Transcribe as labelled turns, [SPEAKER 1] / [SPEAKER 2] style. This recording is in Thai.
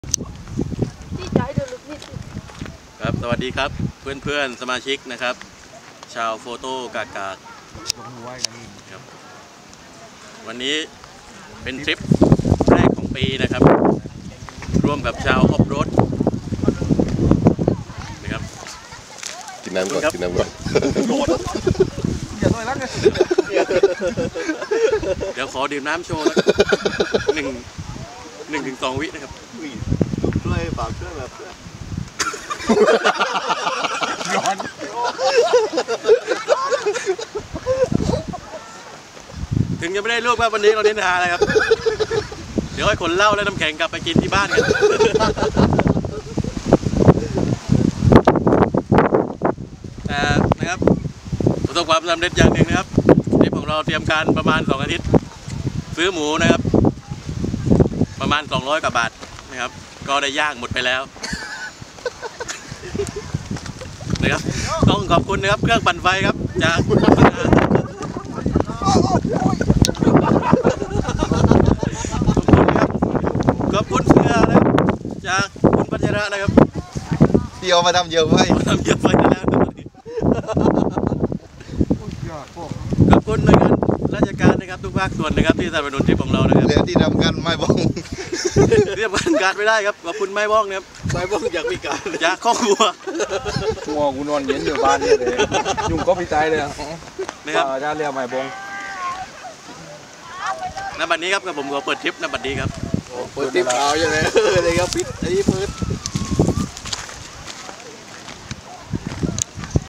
[SPEAKER 1] ครับสวัสดีครับเพื่อนๆสมาชิกนะครับชาวโฟโต้กากาครับวันนี้เป็นทริปแรกของปีนะครับร่วมกับชาวออฟโรดนะครับ
[SPEAKER 2] กินน้ำก่อนกินน้ำก่อน
[SPEAKER 1] เดี๋ยวขอดื่มน้ำโชว์หนึ่งถึง2 วินะครับ
[SPEAKER 2] ช่วยฝากช่วยแบบ
[SPEAKER 1] ร้อนถึงจะไม่ได้รูปครับวันนี้เราเน้นหาอะไรครับเดี๋ยวให้คนเหล้าและน้ำแข็งกลับไปกินที่บ้านกันนะครับประสบความสำเร็จอย่างหนึ่งนะครับทริปของเราเตรียมการประมาณ2 อาทิตย์ซื้อหมูนะครับประมาณ200 กว่าบาทนะครับก็ได้ย่างหมดไปแล้วนะครับต้องขอบคุณนะครับเครื่องปั่นไฟครับจากขอบคุณเสือนะครับจากคุณปัญญานะครับ
[SPEAKER 2] ที่เอามาทำเยอะไว้
[SPEAKER 1] ทำเยอะไปแล้วขอบคุณหน่วยงานราชการนะครับทุกภาคส่วนนะครับที่สนับสนุนทริปของเรานะครับ
[SPEAKER 2] และที่ทำกันไม่บ้อง
[SPEAKER 1] เรียบการไม่ได้ครับขอบคุณไม่บ้องนะครับ
[SPEAKER 2] ไม่บ้องอยากมีการ
[SPEAKER 1] จากครอบครัว
[SPEAKER 3] งัวกูนอนเย็นอยู่บ้านเนี่ยเลยยุ่งก็พี่ใจเลย
[SPEAKER 1] นะครับ
[SPEAKER 3] จะเรียกไม่บ้อง
[SPEAKER 1] ณบัดนี้ครับกับผมขอเปิดทริปณบัดนี้ครับ
[SPEAKER 2] เปิดทริปเอาอย่างไรเลยครับพิษไอ้เปิด